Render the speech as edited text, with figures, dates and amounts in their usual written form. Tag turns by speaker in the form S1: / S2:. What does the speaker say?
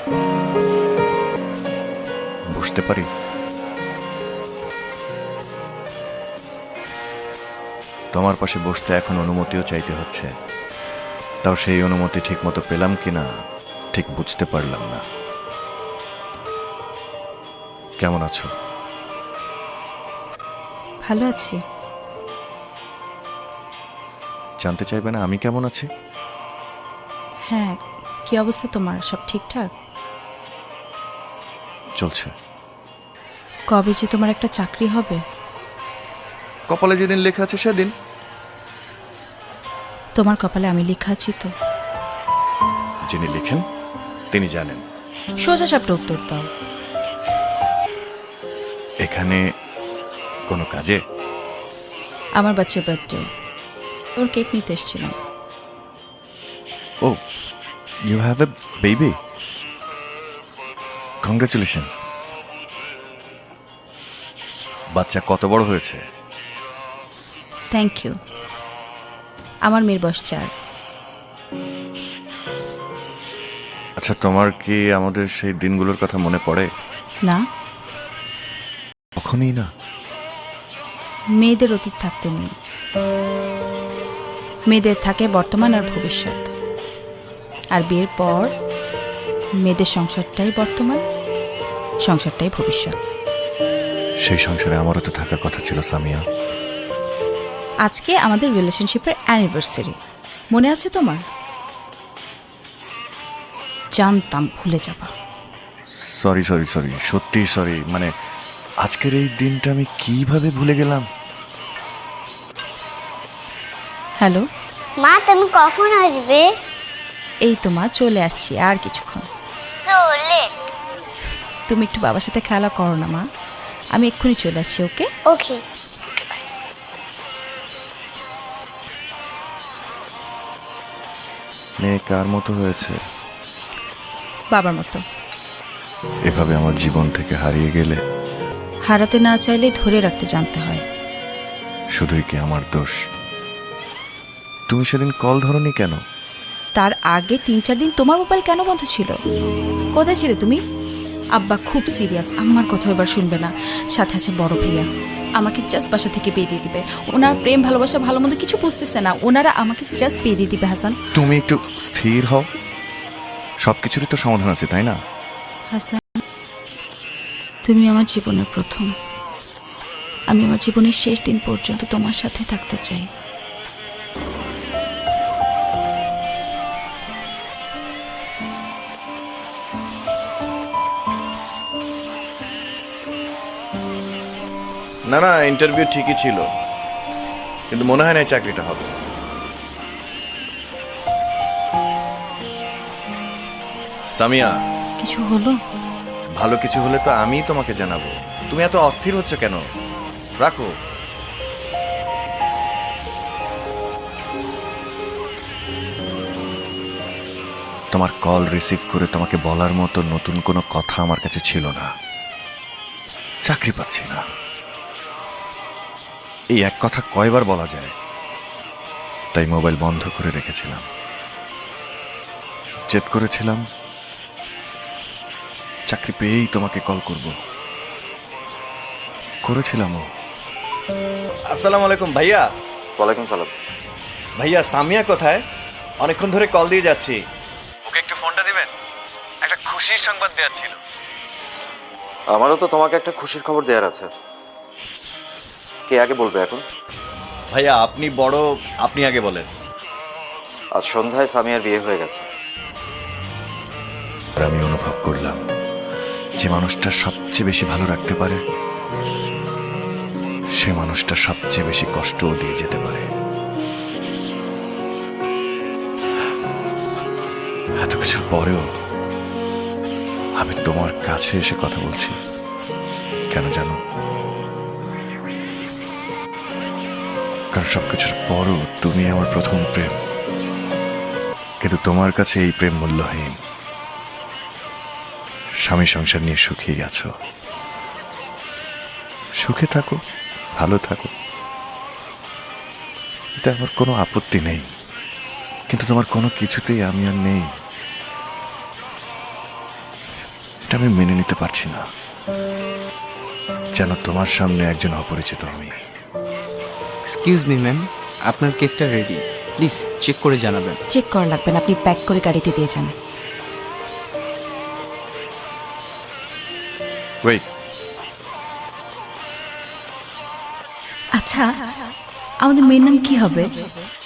S1: বুঝতে পারি? তোমার পাশে বসতে এখন অনুমতিও চাইতে হচ্ছে, তাও সেই অনুমতি ঠিক মতো পেলাম কিনা ঠিক বুঝতে পারলাম না। কেমন আছো?
S2: ভালো আছি।
S1: জানতে চাইবে না আমি কেমন আছি?
S2: হ্যাঁ, কি অবস্থা তোমার? সব ঠিকঠাক?
S1: চলছে।
S2: কবে যে তোমার একটা চাকরি হবে?
S1: কপালে যেদিন লেখা আছে সেদিন।
S2: তোমার কপালে আমি লেখা আছি তো?
S1: যিনি লিখেন তিনি জানেন।
S2: সোজা সাপটা উত্তর দাও।
S1: এখানে কোনো কাজে?
S2: আমার বাচ্চার বার্থডে, ওর কেক নিতে এসেছিলাম।
S1: Oh, you have a baby? Congratulations. বাচ্চা কত বড় হয়েছে?
S2: Thank you. আমার মেয়ের বয়স 4।
S1: আচ্ছা, তোমার কি আমাদের সেই দিনগুলোর কথা মনে পড়ে?
S2: না,
S1: কখনই না।
S2: মেয়েদের অতীত থাকতে নেই, মেয়েদের থাকে বর্তমান আর ভবিষ্যৎ। আর বিয়ের পর মেয়েদের সংসারটাই বর্তমান, সংসারটাই ভবিষ্যৎ।
S1: সেই সংসারে আমারও তো থাকার কথা ছিল সামিয়া।
S2: আজকে আমাদের রিলেশনশিপের অ্যানিভার্সারি, মনে আছে তোমার? জানতাম ভুলে যাবা।
S1: সরি সরি সরি, সত্যি সরি। মানে আজকের এই দিনটা আমি কিভাবে ভুলে গেলাম?
S2: হ্যালো
S3: মা, তুমি কখন আসবে?
S2: এই তো মা, চলে আসছি আর কিছুক্ষণ।
S3: চলে।
S2: তুমি একটু বাবার সাথে খেলা করো না মা, আমি এক্ষুনি চলে আসছি। ওকে
S3: ওকে।
S1: মেয়ে কার মতো হয়েছে?
S2: বাবার মতো।
S1: এভাবে আমার জীবন থেকে হারিয়ে গেলে
S2: হারাতে না চাইলে ধরে রাখতে জানতে হয়।
S1: শুধুই কি আমার দোষ? তুমি সেদিন কল ধরনি কেন?
S2: তার আগে 3-4 দিন তোমার মোবাইল কেন বন্ধ ছিল? কোথায় ছিলে তুমি? আব্বা খুব সিরিয়াস, আমার কথা এবার শুনবে না। সাথে আছে বড় ভাইয়া, আমাকে জাস্ট বাসা থেকে বিয়ে দিয়ে দিবে। ওনার প্রেম ভালোবাসা ভালো মন্দ কিছু বুঝতেছে না, ওনারা আমাকে জাস্ট বিয়ে দিয়ে দিবে। হাসান,
S1: তুমি একটু স্থির হও। সব কিছুরই তো সমাধান আছে, তাই না?
S2: হাসান, তুমি আমার জীবনের প্রথম। আমি আমার জীবনের শেষ দিন পর্যন্ত তোমার সাথে থাকতে চাই।
S1: না না, ইন্টারভিউ ঠিকই ছিল, কিন্তু মনে হয় না এই চাকরিটা হবে। সামিয়া,
S2: কিছু হলো?
S1: ভালো কিছু হলে তো আমিই তোমাকে জানাবো। তুমি এত অস্থির হচ্ছ কেন? রাখো। তোমার কল রিসিভ করে তোমাকে বলার মতো নতুন কোনো কথা আমার কাছে ছিল না। চাকরি পাচ্ছি না, এই এক কথা কয়বার বলা যায়? তাই মোবাইল বন্ধ করে রেখেছিলাম। জেদ করেছিলাম চাকরি পেয়েই তোমাকে কল করব। করেছিলামও। আসসালামু আলাইকুম ভাইয়া।
S4: ওয়ালাইকুম সালাম।
S1: ভাইয়া, সামিয়া কোথায়? অনেকক্ষণ ধরে কল দিয়ে যাচ্ছি। ওকে একটু ফোনটা দিবেন, একটা খুশির সংবাদ দেওয়ার ছিল।
S4: আমারও তো তোমাকে একটা খুশির খবর দেওয়ার আছে। কে আগে বলবে এখন?
S1: ভাইয়া আপনি বড়, আপনি আগে বলেন।
S4: আজ সন্ধ্যায় সামিয়ার বিয়ে হয়ে গেছে।
S1: আমি অনুভব করলাম যে মানুষটা সবচেয়ে বেশি ভালো রাখতে পারে সে মানুষটা সবচেয়ে বেশি কষ্টও দিয়ে যেতে পারে। এত কিছুর পরেও আমি তোমার কাছে এসে কথা বলছি। কেন জানো? কারণ সবকিছুর পরও তুমি আমার প্রথম প্রেম, কিন্তু তোমার কাছে এই প্রেম মূল্যহীন। স্বামী সংসার নিয়ে সুখে গেছো, সুখে থাকো, ভালো থাকো, এতে আমার কোনো আপত্তি নেই। কিন্তু তোমার কোনো কিছুতেই আমি আর নেই। এটা আমি মেনে নিতে পারছি না, যেন তোমার সামনে একজন অপরিচিত আমি।
S5: এক্সকিউজ মি ম্যাম, আপনার কেকটা রেডি, প্লিজ চেক করে জানাবেন।
S2: চেক করা লাগবে না, আপনি প্যাক করে গাড়িতে দিয়ে যান।
S1: ওয়েট,
S2: আচ্ছা, আমাদের মেয়ের নাম কি হবে?